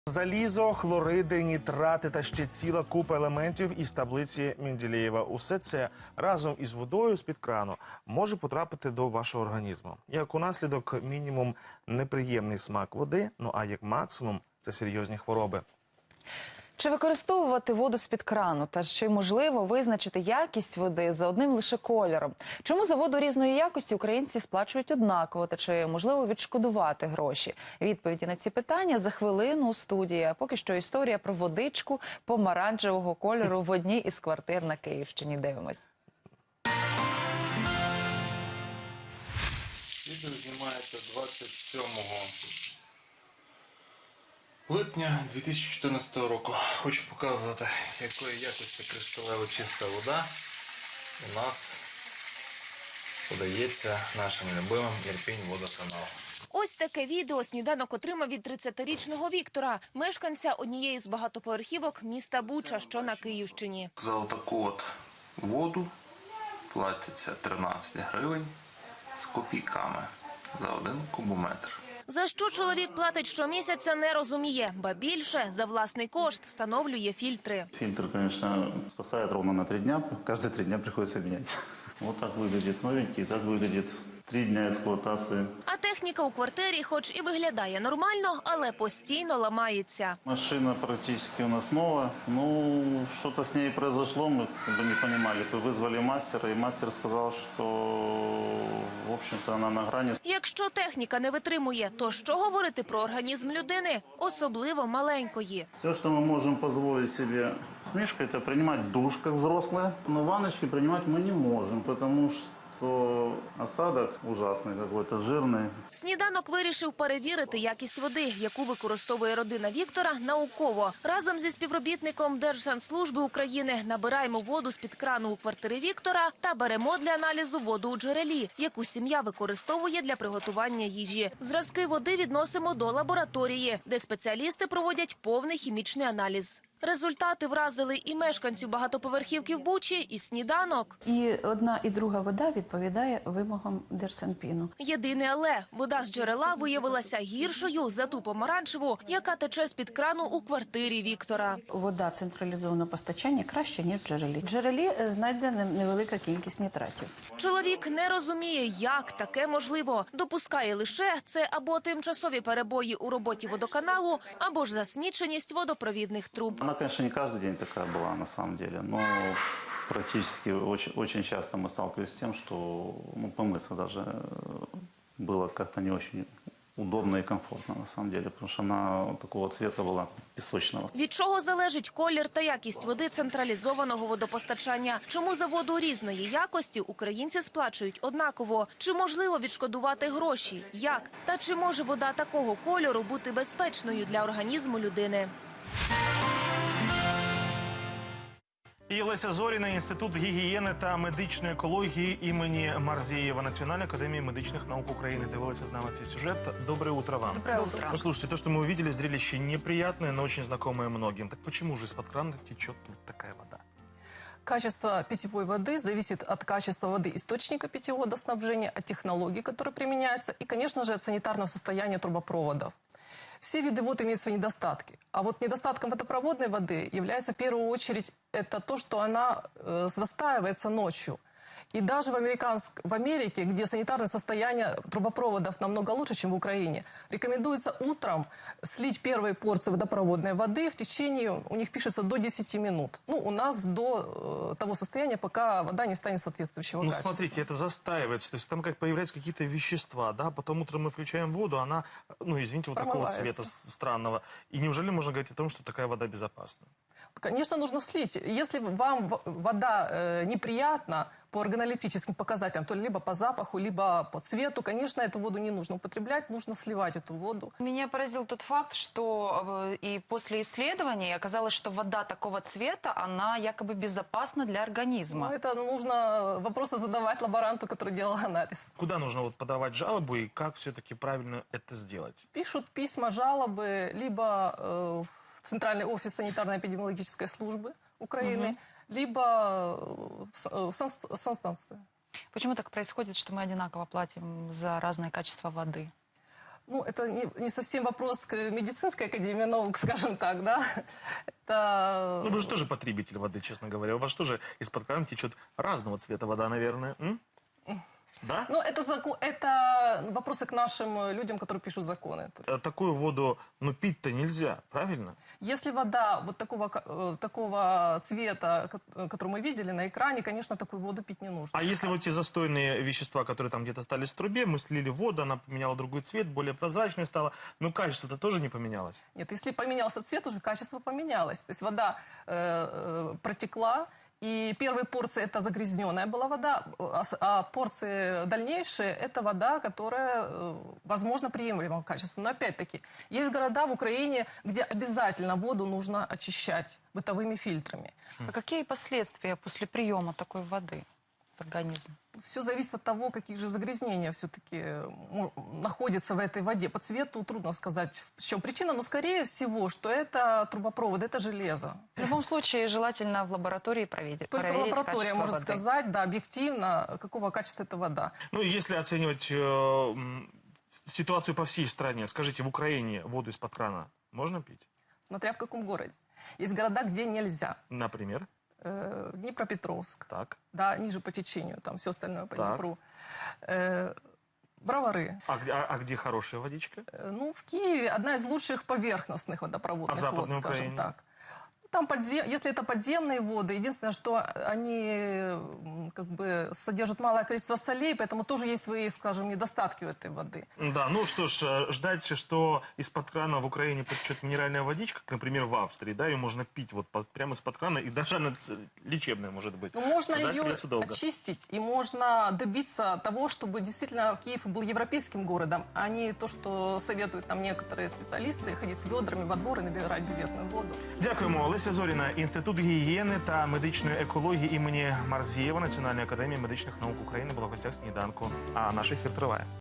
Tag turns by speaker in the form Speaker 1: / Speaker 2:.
Speaker 1: Залізо, хлориди, нітрати та ще ціла купа елементів із таблиці Менделєєва. Усе це разом із водою з-під крану може потрапити до вашого організму. Як у наслідок мінімум неприємний смак води, ну а як максимум це серйозні хвороби.
Speaker 2: Чи використовувати воду з-під крану? Та чи можливо визначити якість води за одним лише кольором? Чому за воду різної якості українці сплачують однаково? Та чи можливо відшкодувати гроші? Відповіді на ці питання за хвилину у студії. А поки що історія про водичку помаранчевого кольору в одній із квартир на Київщині. Дивимось.
Speaker 3: Відео знімається 27 липня 2014 року. Хочу показувати, якої якості кришталево чиста вода у нас подається нашим любимим Ірпінь-водоканалом.
Speaker 4: Ось таке відео «Сніданок» отримав від 30-річного Віктора, мешканця однієї з багатоповерхівок міста Буча, що на Київщині.
Speaker 3: За отаку от воду платиться 13 гривень з копійками за 1 кубометр.
Speaker 4: За що чоловік платить щомісяця, не розуміє. Ба більше, за власний кошт встановлює фільтри.
Speaker 5: Фильтр, конечно, спасает ровно на 3 дня. Каждые 3 дня приходится менять. Вот так выглядит новенький, так выглядит 3 дня эксплуатации.
Speaker 4: А техніка у квартирі хоч і виглядає нормально, але постійно ламається.
Speaker 5: Машина практически у нас новая. Ну, что-то с ней произошло, мы как бы не понимали. Вызвали мастера, и мастер сказал, что, в общем-то, она на грани.
Speaker 4: Якщо техніка не витримує, то що говорити про організм людини, особливо маленької?
Speaker 5: Все, что мы можем позволить себе с Мишкой, это принимать душ, как взрослые. Но ванночки принимать мы не можем, потому что осадок ужасний, какой-то жирний.
Speaker 4: Сніданок вирішив перевірити якість води, яку використовує родина Віктора, науково. Разом зі співробітником Держсанслужби України набираємо воду з-під крану у квартири Віктора та беремо для аналізу воду у джерелі, яку сім'я використовує для приготування їжі. Зразки води відносимо до лабораторії, де спеціалісти проводять повний хімічний аналіз. Результати вразили і мешканців багатоповерхівки в Бучі, і Сніданок.
Speaker 6: І одна, і друга вода відповідає вимогам Держсанпіну.
Speaker 4: Єдине але – вода з джерела виявилася гіршою за ту помаранчеву, яка тече з-під крану у квартирі Віктора.
Speaker 6: Вода централізованого постачання краще, ніж в джерелі. В джерелі знайдена невелика кількість нітратів.
Speaker 4: Чоловік не розуміє, як таке можливо. Допускає лише це або тимчасові перебої у роботі водоканалу, або ж засміченість водопровідних труб.
Speaker 5: Она, конечно, не каждый день такая была на самом деле, но практически очень часто мы сталкивались с тем, что помыться даже было как-то не очень удобно и комфортно на самом деле, потому что она такого цвета была песочного.
Speaker 4: Від чого залежить колір та якість води централізованого водопостачання? Чому за воду різної якості українці сплачують однаково? Чи можливо відшкодувати гроші? Як? Та чи може вода такого кольору бути безпечною для організму людини?
Speaker 1: І Леся Зоріна, Інститут гігієни та медичної екології імені Марзієва Національной академии медичных наук Украины. Дивилися з нами цей сюжет. Доброе утро вам.
Speaker 2: Доброе утро.
Speaker 1: Ну, слушайте, то, что мы увидели, зрелище неприятное, но очень знакомое многим. Так почему же из-под крана течет вот такая вода?
Speaker 7: Качество питьевой воды зависит от качества воды источника питьевого водоснабжения, от технологий, которые применяются, и, конечно же, от санитарного состояния трубопроводов. Все виды вод имеют свои недостатки. А вот недостатком водопроводной воды является в первую очередь это то, что она застаивается ночью. И даже в Америке, где санитарное состояние трубопроводов намного лучше, чем в Украине, рекомендуется утром слить первые порции водопроводной воды в течение, у них пишется, до 10 минут. Ну, у нас до того состояния, пока вода не станет соответствующего качества.
Speaker 1: Ну, смотрите, это застаивается, то есть там как появляются какие-то вещества, да, потом утром мы включаем воду, она, ну, извините, вот такого цвета странного. И неужели можно говорить о том, что такая вода безопасна?
Speaker 7: Конечно, нужно слить. Если вам вода неприятна по органолептическим показателям, то либо по запаху, либо по цвету, конечно, эту воду не нужно употреблять, нужно сливать эту воду.
Speaker 2: Меня поразил тот факт, что и после исследований оказалось, что вода такого цвета, она якобы безопасна для организма.
Speaker 7: Ну, это нужно вопросы задавать лаборанту, который делал анализ.
Speaker 1: Куда нужно вот подавать жалобу и как все-таки правильно это сделать?
Speaker 7: Пишут письма, жалобы, либо в Центральный офис санитарно-эпидемиологической службы Украины, либо в санстанцию.
Speaker 2: Почему так происходит, что мы одинаково платим за разное качество воды?
Speaker 7: Ну, это не совсем вопрос к медицинской академии наук, скажем так, да. Это...
Speaker 1: Ну, вы же тоже потребитель воды, честно говоря. У вас тоже из-под крана течет разного цвета вода, наверное. Да?
Speaker 7: Ну, это вопросы к нашим людям, которые пишут законы.
Speaker 1: Такую воду, ну, пить-то нельзя, правильно?
Speaker 7: Если вода вот такого цвета, который мы видели на экране, конечно, такую воду пить не нужно.
Speaker 1: А если вот те застойные вещества, которые там где-то остались в трубе, мы слили воду, она поменяла другой цвет, более прозрачной стала, но качество-то тоже не поменялось?
Speaker 7: Нет, если поменялся цвет, уже качество поменялось. То есть вода протекла, и первые порции это загрязненная была вода, а порции дальнейшие это вода, которая, возможно, приемлемого качества. Но опять-таки, есть города в Украине, где обязательно воду нужно очищать бытовыми фильтрами.
Speaker 2: А какие последствия после приема такой воды в организм?
Speaker 7: Все зависит от того, какие же загрязнения все-таки находятся в этой воде. По цвету трудно сказать, в чем причина, но скорее всего, что это трубопровод, это железо.
Speaker 2: В любом случае, желательно в лаборатории проверить.
Speaker 7: Только
Speaker 2: проверить
Speaker 7: лаборатория
Speaker 2: качество
Speaker 7: может
Speaker 2: воды.
Speaker 7: сказать, да, объективно, какого качества эта вода.
Speaker 1: Ну, если оценивать ситуацию по всей стране, скажите, в Украине воду из-под крана можно пить?
Speaker 7: Смотря в каком городе. Есть города, где нельзя.
Speaker 1: Например?
Speaker 7: Днепропетровск,
Speaker 1: Так.
Speaker 7: да, ниже по течению, там все остальное по
Speaker 1: Так.
Speaker 7: Днепру. Бровары.
Speaker 1: А где хорошая водичка?
Speaker 7: Ну, в Киеве одна из лучших поверхностных водопроводных
Speaker 1: А в Западной
Speaker 7: вод, скажем
Speaker 1: Украине?
Speaker 7: так. Там если это подземные воды, единственное, что они как бы содержат малое количество солей, поэтому тоже есть свои, скажем, недостатки у этой воды.
Speaker 1: Да, ну что ж, ждать, что из-под крана в Украине потечет минеральная водичка, как, например, в Австрии, да, ее можно пить вот прямо из-под крана, и даже она лечебная может быть.
Speaker 7: Но можно
Speaker 1: Ждать
Speaker 7: ее
Speaker 1: придется долго.
Speaker 7: очистить, и можно добиться того, чтобы действительно Киев был европейским городом, а не то, что советуют нам некоторые специалисты, ходить с ведрами во двор и набирать бюветную воду.
Speaker 1: Дякуємо. Леся Зоріна, Інститут гігієни та медичної екології імені Марзієва Національної академії медичних наук України була в гостях сніданку. А наш ефір триває.